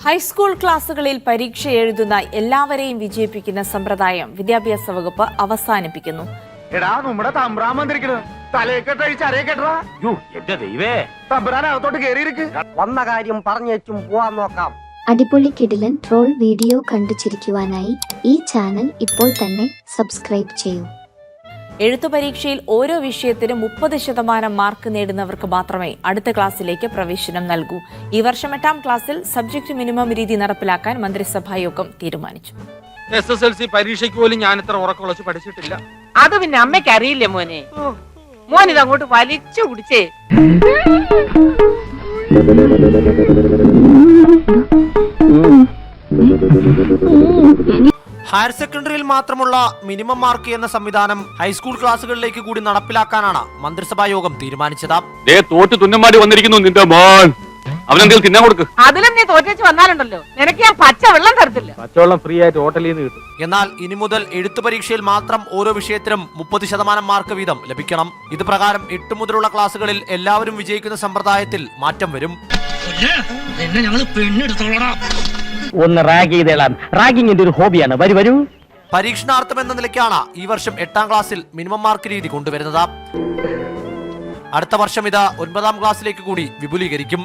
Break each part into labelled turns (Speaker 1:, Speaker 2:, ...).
Speaker 1: High school ക്ലാസുകളിൽ പരീക്ഷ എഴുതുന്ന എല്ലാവരെയും വിജയിപ്പിക്കുന്ന സമ്പ്രദായം വിദ്യാഭ്യാസ വകുപ്പ് അവസാനിപ്പിക്കുന്നു.
Speaker 2: വന്ന കാര്യം പറഞ്ഞേച്ചും പോവാൻ നോക്കാം.
Speaker 3: അടിപൊളി കിടിലൻ ട്രോൾ വീഡിയോ കണ്ടു ചിരിക്കുവാനായി ഈ ചാനൽ ഇപ്പോൾ തന്നെ സബ്സ്ക്രൈബ് ചെയ്യൂ.
Speaker 1: എഴുത്തു പരീക്ഷയിൽ ഓരോ വിഷയത്തിനും 30% മാർക്ക് നേടുന്നവർക്ക് മാത്രമേ അടുത്ത ക്ലാസ്സിലേക്ക് പ്രവേശനം നൽകൂ. ഈ വർഷം 8ാം ക്ലാസ്സിൽ സബ്ജക്ട് മിനിമം രീതി നടപ്പിലാക്കാൻ മന്ത്രിസഭായോഗം തീരുമാനിച്ചു.
Speaker 4: SSLC പരീക്ഷയ്ക്ക് പോലും ഞാൻ ഇത്ര ഉറക്കമുളച്ച് പഠിച്ചിട്ടില്ല.
Speaker 5: അത് പിന്നെ അമ്മയ്ക്ക് അറിയില്ലേ മോനെ? മോൻ ഇതങ്ങോട്ട് വലിച്ചു കുടിച്ചേ.
Speaker 2: ഹയർ സെക്കൻഡറിയിൽ മാത്രമുള്ള മിനിമം മാർക്ക് എന്ന സംവിധാനം ഹൈസ്കൂൾ ക്ലാസുകളിലേക്ക് കൂടി നടപ്പിലാക്കാനാണ് മന്ത്രിസഭാ യോഗം തീരുമാനിച്ചത്.
Speaker 6: തോറ്റ് തുന്നമാടി വന്നിരിക്കുന്നു നിന്റെ മോൻ. അവനെന്തെങ്കിലും തിന്നാൻ കൊടുക്ക്.
Speaker 5: അതിലും നീ തോറ്റേച്ച് വന്നാലുണ്ടല്ലോ, നിനക്ക് ഞാൻ പച്ച വെള്ളം തരത്തില്ല.
Speaker 6: പച്ചവെള്ളം ഫ്രീ ആയിട്ട് ഹോട്ടലിൽ നിന്ന് കിട്ടും.
Speaker 2: എന്നാൽ ഇനി മുതൽ എഴുത്തു പരീക്ഷയിൽ മാത്രം ഓരോ വിഷയത്തിനും 30% മാർക്ക് വീതം ലഭിക്കണം. ഇത് പ്രകാരം 8 മുതലുള്ള ക്ലാസുകളിൽ എല്ലാവരും വിജയിക്കുന്ന സമ്പ്രദായത്തിൽ മാറ്റം വരും.
Speaker 7: ഒന്ന് റാഗ് ചെയ്തേളാം. റാഗിങ്ങിന്റെ ഒരു ഹോബിയാണ്. വരൂ.
Speaker 2: പരീക്ഷണാർത്ഥം എന്ന നിലയ്ക്കാണ് ഈ വർഷം 8ാം ക്ലാസ്സിൽ മിനിമം മാർക്ക് രീതി കൊണ്ടുവരുന്നത്. അടുത്ത വർഷം ഇത് 9ാം ക്ലാസ്സിലേക്ക് കൂടി വിപുലീകരിക്കും.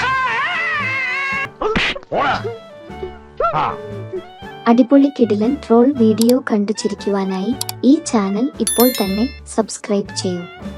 Speaker 3: അടിപൊളി കിടിലൻ ട്രോൾ വീഡിയോ കണ്ടു ചിരിക്കുവാനായി ഈ ചാനൽ ഇപ്പോൾ തന്നെ സബ്സ്ക്രൈബ് ചെയ്യൂ.